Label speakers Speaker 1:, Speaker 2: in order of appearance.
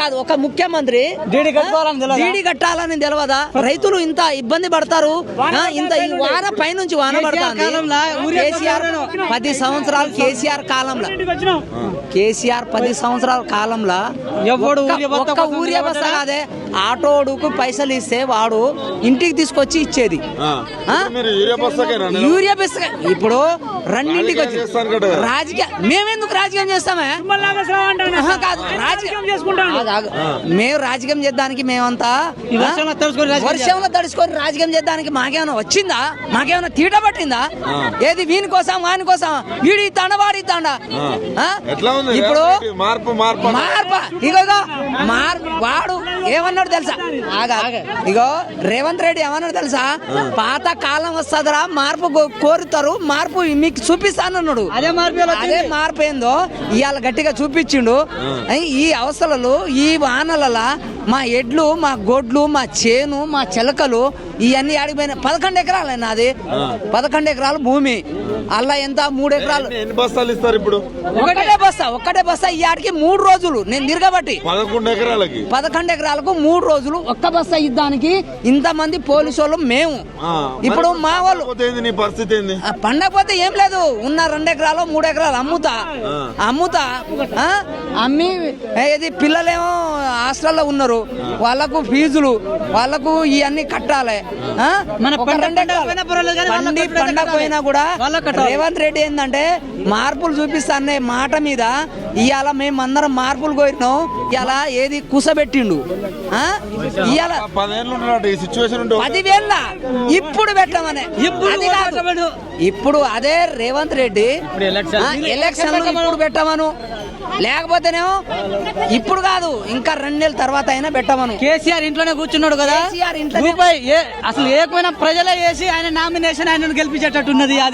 Speaker 1: కాదు ఒక ముఖ్యమంత్రి డీడీ కట్టాలని తెలియదా? రైతులు ఇంత ఇబ్బంది పడతారు. ఇంత ఈ వాన పైనుంచి వాన పడతాంది. కేసీఆర్ 10 సంవత్సరాలు కేసీఆర్ 10 సంవత్సరాల కాలంలో ఒక్క ఊరియా బస్త కాదే, ఆటోడుకు పైసలు ఇస్తే వాడు ఇంటికి తీసుకొచ్చి ఇచ్చేది. యూరియా బస్త ఇప్పుడు రెండింటికి వచ్చి రాజకీయ మేమెందుకు రాజకీయం చేస్తామే? కాదు మేము రాజకీయం చేద్దానికి మేమంతా వర్షంలో తడుచుకొని రాజకీయం చేద్దానికి మాకేమైనా వచ్చిందా? మాకేమైనా తీట పట్టిందా? ఏది వీని కోసం వాని కోసం వీడి తాండ వాడి తాండ. ఇప్పుడు వాడు ఏమన్నాడు తెలుసా? ఇగో రేవంత్ రెడ్డి ఏమన్నాడు తెలుసా? పాత కాలం వస్తుందిరా, మార్పు కోరుతారు, మార్పు మీకు చూపిస్తానన్నాడు. అదే మార్పు ఏందో ఇవాళ గట్టిగా చూపించిండు. ఈ అవసరాలు ఈ వానల మా ఎడ్లు, మా గొడ్లు, మా చేను, మా చిలకలు ఇవన్నీ ఆడిపోయిన 11 ఎకరాలు నాది. 11 ఎకరాలు భూమి. అలా ఎంత 3 ఎకరాలు.
Speaker 2: ఎన్ని బస్తాలు ఇస్తారు ఇప్పుడు?
Speaker 1: ఒక్కటే బస్తా ఈ ఆడికి 3 రోజులు నేను తిరగబట్టి 11 ఎకరాలకు 3 రోజులు ఒక్క బస్తా ఇద్దానికి ఇంతమంది పోలీసు వాళ్ళు మేము. ఇప్పుడు మా వాళ్ళు పండకపోతే ఏం లేదు, ఉన్న 2 ఎకరాలు 3 ఎకరాలు అమ్ముతా అమ్మి ఏది పిల్లలేమో హాస్టల్లో ఉన్నారు, వాళ్ళకు ఫీజులు, వాళ్ళకు ఇవన్నీ కట్టాలి. పండకపోయినా కూడా రేవంత్ రెడ్డి ఏంటంటే మార్పులు చూపిస్తానే మాట మీద ఇవాళ మేమందరం మార్పులు కోరినాం. ఇవాళ ఏది కూసబెట్టిండు. ఇవాళ 10,000 ఇప్పుడు పెట్టమనే అది కాదు. ఇప్పుడు అదే రేవంత్ రెడ్డి ఎలక్షన్ ఇప్పుడు పెట్టమను, లేకపోతేనేమో ఇప్పుడు కాదు ఇంకా 2 నెలల తర్వాత అయినా పెట్టమను.
Speaker 3: కేసీఆర్ ఇంట్లోనే కూర్చున్నాడు కదా, అసలు ఏకమైన ప్రజలే చేసి ఆయన నామినేషన్ ఆయన గెలిపించేటట్టున్నది.